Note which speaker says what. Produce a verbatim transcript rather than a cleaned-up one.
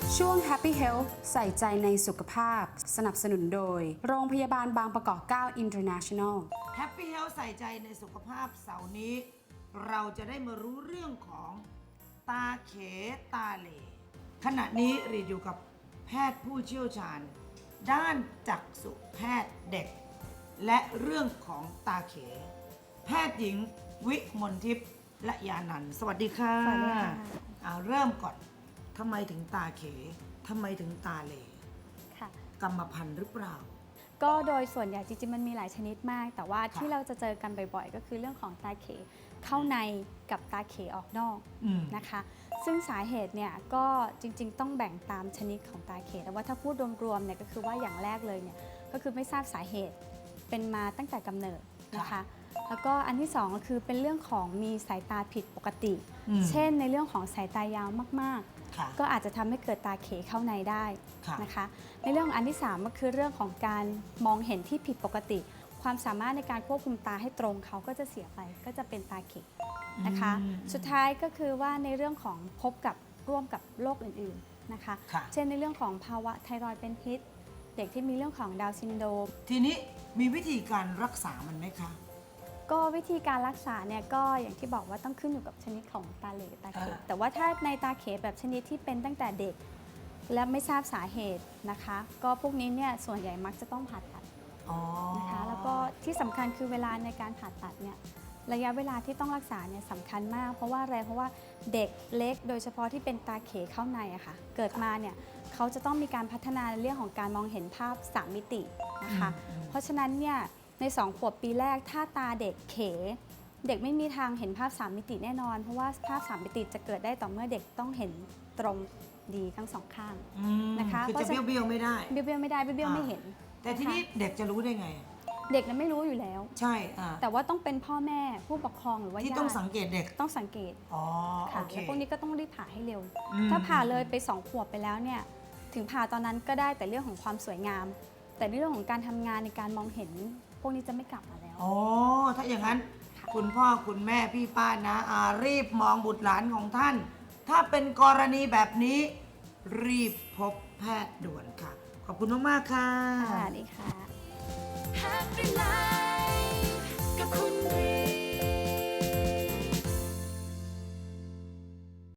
Speaker 1: ช่วง Happy Health ใส่ใจในสุขภาพสนับสนุนโดยโรงพยาบาลบางประกอบ เก้า International
Speaker 2: Happy Health ใส่ใจในสุขภาพเสาร์นี้ เราจะได้มารู้เรื่องของตาเขตาเหล่ขณะนี้รีดอยู่กับแพทย์ผู้เชี่ยวชาญ ด้านจักษุแพทย์เด็ก และเรื่องของตาเข แพทย์หญิงวิมลทิพย์ละยานันท์สวัสดีค่ะ
Speaker 3: สวัสดีค่ะ
Speaker 2: เอาเริ่มก่อนทำไมถึงตาเขทำไมถึงตาเหล่
Speaker 3: ค่ะ
Speaker 2: กรรมพันธุ์หรือเปล่า
Speaker 3: ก็โดยส่วนใหญ่จริงๆมันมีหลายชนิดมาก แต่ว่า
Speaker 2: ค่ะ
Speaker 3: ที่เราจะเจอกันบ่อยๆ ก็คือเรื่องของตาเขเข้าในกับตาเขออกนอก
Speaker 2: อืม
Speaker 3: นะคะ ซึ่งสาเหตุเนี่ยก็จริงๆ ต้องแบ่งตามชนิดของตาเขแต่ว่าถ้าพูดรวมๆเนี่ยก็คือว่าอย่างแรกเลยเนี่ยก็คือไม่ทราบสาเหตุเป็นมาตั้งแต่กำเนิดนะคะ แล้วก็อันที่สองก็คือเป็นเรื่องของมีสายตาผิดปกติ
Speaker 2: อืม
Speaker 3: เช่นในเรื่องของสายตายาวมากๆ
Speaker 2: ค่ะ
Speaker 3: ก็อาจจะทำให้เกิดตาเขเข้าในได้
Speaker 2: ค่ะ
Speaker 3: นะคะในเรื่องของอันที่สามก็คือเรื่องของการมองเห็นที่ผิดปกติ ความสามารถในการควบคุมตาให้ตรงเขาก็จะเสียไปก็จะเป็นตาเขนะคะ
Speaker 2: อืม
Speaker 3: สุดท้ายก็คือว่าในเรื่องของพบกับร่วมกับโรคอื่นๆนะคะ
Speaker 2: ค่ะ
Speaker 3: เช่นในเรื่องของภาวะไทรอยด์เป็นพิษ เด็กที่มีเรื่องของดาวน์ซินโดรม
Speaker 2: ทีนี้มีวิธีการรักษามันไหมคะ
Speaker 3: ก็วิธีการรักษาเนี่ยก็อย่างที่บอกว่าต้องขึ้นอยู่กับชนิดของตาเหลตาเข
Speaker 2: อ่า
Speaker 3: แต่ว่าถ้าในตาเขแบบชนิดที่เป็นตั้งแต่เด็ก และไม่ทราบสาเหตุนะคะ ก็พวกนี้เนี่ยส่วนใหญ่มักจะต้องผ่าตัด
Speaker 2: อ๋อ
Speaker 3: นะคะแล้วก็ที่สำคัญคือเวลาในการผ่าตัดเนี่ยระยะเวลาที่ต้องรักษาเนี่ยสำคัญมาก เพราะว่าอะไรเพราะว่าเด็กเล็กโดยเฉพาะที่เป็นตาเขเข้าในอะค่ะเกิดมาเนี่ยเขาจะต้องมีการพัฒนาในเรื่องของการมองเห็นภาพสามมิตินะคะ
Speaker 2: อืม
Speaker 3: เพราะฉะนั้นเนี่ยในสองขวบปีแรกถ้าตาเด็กเข เด็กไม่มีทางเห็นภาพสามมิติแน่นอน เพราะว่าภาพสามมิติจะเกิดได้ต่อเมื่อเด็กต้องเห็นตรงดีทั้งสองข้าง
Speaker 2: อืม
Speaker 3: นะคะ
Speaker 2: คือ
Speaker 3: เพราะ
Speaker 2: จะ
Speaker 3: ฉะนั้น
Speaker 2: เบี้ยวๆไม่ได้
Speaker 3: เบี้ยวๆไม่ได้เบี้ยวๆไม่เห็น
Speaker 2: แต่ทีนี้
Speaker 3: ะคะ
Speaker 2: เด็กจะรู้ได้ไง
Speaker 3: เด็กนั้นไม่รู้อยู่แล้ว
Speaker 2: ใช่อ่า
Speaker 3: แต่ว่าต้องเป็นพ่อแม่ผู้ปกครองหรือว่า
Speaker 2: ที่
Speaker 3: ญา
Speaker 2: ต้อง
Speaker 3: ติ
Speaker 2: สังเกตเด็ก
Speaker 3: ต้องสังเกต
Speaker 2: อ๋อ
Speaker 3: ค่ะ
Speaker 2: โอเค
Speaker 3: แล้วพวกนี้ก็ต้องรีบผ่าให้เร็ว
Speaker 2: อืม
Speaker 3: ถ้าผ่าเลยไปสองขวบไปแล้วเนี่ยถึงผ่าตอนนั้นก็ได้แต่เรื่องของความสวยงาม แต่ในเรื่องของการทำงานในการมองเห็น พวกนี้จะไม่กลับมาแล้ว
Speaker 2: อ๋อ ถ้าอย่างนั้น
Speaker 3: ค่ะ
Speaker 2: คุณพ่อคุณแม่พี่ป้านะอารีบมองบุตรหลานของท่าน ถ้าเป็นกรณีแบบนี้ รีบพบแพทย์ด่วนค่ะ ขอบคุณมาก ๆ ค่ะ
Speaker 3: ค่ะดีค่ะ
Speaker 4: Happy Life กับคุณรี